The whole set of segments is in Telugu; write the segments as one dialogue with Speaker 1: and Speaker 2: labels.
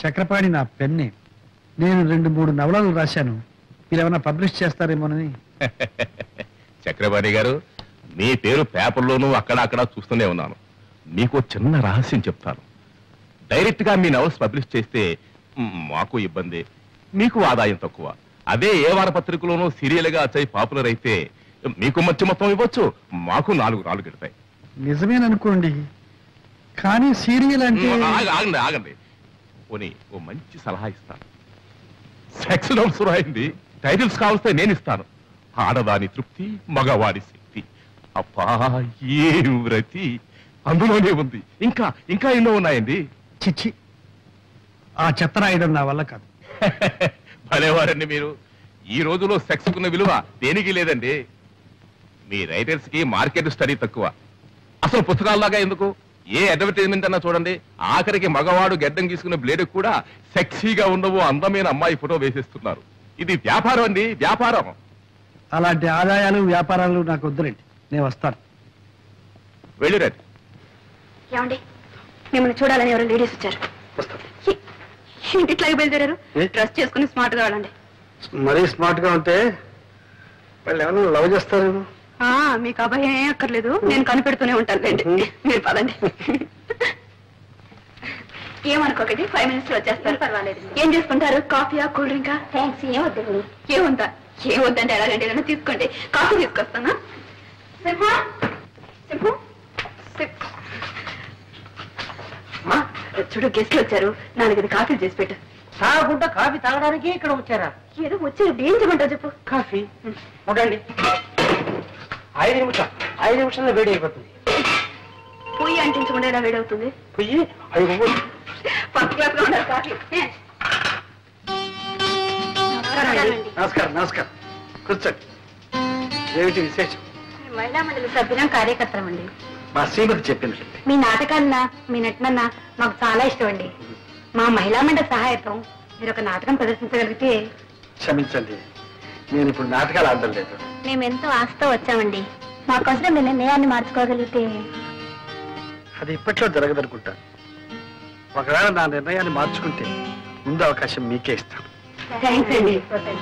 Speaker 1: చక్రపాణి నా పెన్నే. నేను 2-3 నవలలు రాశాను. మీరేమైనా పబ్లిష్ చేస్తారేమోనని.
Speaker 2: చక్రపాణి గారు, మీ పేరు పేపర్లోనూ అక్కడ చూస్తూనే ఉన్నాను. మీకు చిన్న రహస్యం చెప్తాను. డైరెక్ట్ గా మీ నవల్స్ పబ్లిష్ చేస్తే మాకు ఇబ్బంది, మీకు ఆదాయం తక్కువ. అదే ఏ వారపత్రికలోనూ సీరియల్ గా వచ్చాయి పాపులర్ అయితే మీకు మంచి మొత్తం ఇవ్వచ్చు, మాకు 4 రాళ్ళు గెడతాయి.
Speaker 1: నిజమేననుకోండి, కానీ సీరియల్ అంటే...
Speaker 2: ఆగండి. పోనీ ఓ మంచి సలహా ఇస్తాను. సెక్స్ నోట్స్ రాయింది, టైటిల్స్ కావస్తే నేను ఇస్తాను. ఆడదాని తృప్తి, మగవాడి శక్తి. అబ్బా ఏ వ్రతి అందులోనే ఉంది. ఇంకా ఎన్నో ఉన్నాయండి.
Speaker 1: చిచ్చి, ఆ చెత్త రాయడం నా వల్ల కాదు.
Speaker 2: భలేవారండి మీరు. ఈ రోజులో సెక్స్ కున్న విలువ దేనికి లేదండి. మీ రైటర్స్ కి మార్కెట్ స్టడీ తక్కువ. అసలు పుస్తకాల్లాగా ఎందుకు, ఏ అడ్వర్టైజ్మెంట్ అన్నా చూడండి, ఆఖరికి మగవాడు గెడ్డం గీసుకున్న బ్లేడ్ కూడా సెక్సీగా ఉండవు అందమైన అమ్మాయి ఫోటో వేసేస్తున్నారు. ఇది వ్యాపారం అండి, వ్యాపారం.
Speaker 1: అలాంటి ఆదాయాలు వ్యాపారాలు నాకు వద్దులేండి, నేను వస్తాను.
Speaker 2: వెళ్ళిరండి.
Speaker 3: ఏమండి, మిమ్మల్ని చూడాలని ఎవరో లేడీస్ వచ్చారు. ఇంటిట్లాగే బయలుదేరారు. డ్రెస్ చేసుకుని స్మార్ట్ గా వెళ్ళండి.
Speaker 1: మరీ స్మార్ట్ గా ఉంటే వాళ్ళు ఏమైనా లవ్ చేస్తారేమో.
Speaker 3: మీకు అభయం ఏం అక్కర్లేదు, నేను కనిపెడుతూనే ఉంటాను లేండి. మీరు పదండి. ఏమనుకోకండి, 5 minutes లో వచ్చేస్తారు. పర్వాలేదు. ఏం చేసుకుంటారు? కాఫీయా, కూల్ డ్రింకా? థ్యాంక్స్. ఏమొద్దంటే ఎలాగండి, ఏదైనా తీసుకోండి. కాఫీ తీసుకొస్తానా? చూడు, గెస్ట్లు వచ్చారు, 4 కాఫీలు చేసి పెట్టు.
Speaker 4: తాగకుండా కాఫీ తాగడానికి ఇక్కడ వచ్చారా?
Speaker 3: ఏదో వచ్చారు, ఏం చేయమంటావు చెప్పు.
Speaker 4: కాఫీ ఉండండి. 5 నిమిషాల్లో వేడి అయిపోతుంది.
Speaker 3: పొయ్యి అంటించకుండా ఎలా వేడవుతుంది?
Speaker 4: పొయ్యి 5
Speaker 3: ఫస్ట్ క్లాస్ గా ఉండాలి కాఫీ.
Speaker 1: నమస్కారం. కూర్చోండి. ఏమిటి విశేషం?
Speaker 3: మహిళా మండలి సభ్యులం, కార్యకర్తలం అండి.
Speaker 1: మా శ్రీమతి చెప్పింది.
Speaker 3: మీ నాటకాలన్నా, మీ నటనన్నా మాకు చాలా ఇష్టం అండి. మా మహిళా మండలి సహాయతం మీరు ఒక నాటకం ప్రదర్శించగలిగితే...
Speaker 1: క్షమించండి, నేను ఇప్పుడు నాటకాలు ఆడడం లేదు.
Speaker 3: మేమెంతో ఆశతో వచ్చామండి. మాకోసం మీ నిర్ణయాన్ని మార్చుకోగలిగితే...
Speaker 1: అది ఇప్పట్లో జరగదనుకుంటాను. ఒకవేళ నా నిర్ణయాన్ని మార్చుకుంటే ముందు అవకాశం మీకే ఇస్తాను.
Speaker 3: థ్యాంక్స్ అండి.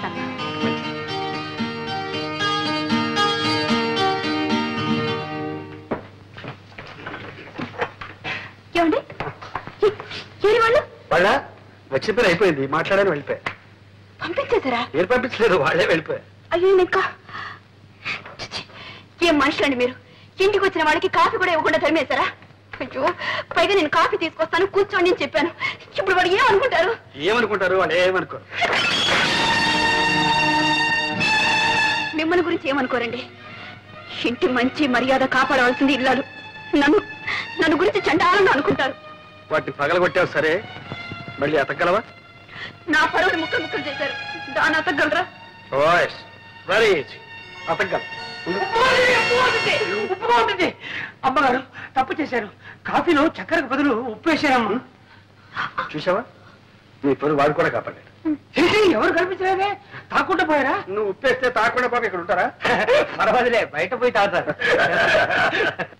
Speaker 3: ఏమండి,
Speaker 1: వాళ్ళ వచ్చిన పని అయిపోయింది, మాట్లాడని వెళ్ళిపోయా.
Speaker 3: పంపించేశారా?
Speaker 1: మీరు పంపించలేదు, వాళ్ళే వెళ్ళిపోయా.
Speaker 3: అయ్యో, ఇంకా ఏం మనుషులండి మీరు? ఇంటికి వచ్చిన వాళ్ళకి కాఫీ కూడా ఇవ్వకుండా తరిమేశారా? అయ్యో, పైగా నేను కాఫీ తీసుకొస్తాను, కూర్చోండి అని చెప్పాను. ఇప్పుడు వాడు ఏమనుకుంటారు?
Speaker 1: వాళ్ళు ఏమనుకోరు.
Speaker 3: మిమ్మల్ని గురించి ఏమనుకోరండి. ఇంటి మంచి మర్యాద కాపాడవలసింది ఇల్లాలు. నన్ను గురించి చండాలంగా అనుకుంటారు.
Speaker 1: వాటిని పగలగొట్టావు సరే, మళ్ళీ అతగలవా?
Speaker 3: నా పరువుని ముక్కలు చేశారు, దాన్ని అతగలరా?
Speaker 4: అమ్మగారు తప్పు చేశారు. కాఫీలో చక్కెరకు బదులు ఉప్పు వేశారమ్మా.
Speaker 1: చూసావా, నీ పరువు వాడు కూడా కాపాడాడు.
Speaker 4: ఎవరు కనిపించలేదే, తాకుండా పోయారా?
Speaker 1: నువ్వు ఉప్పేస్తే తాకుండా పాప ఇక్కడ ఉంటారా?
Speaker 4: పర్వాలేదులే, బయట పోయి తాగుతారు.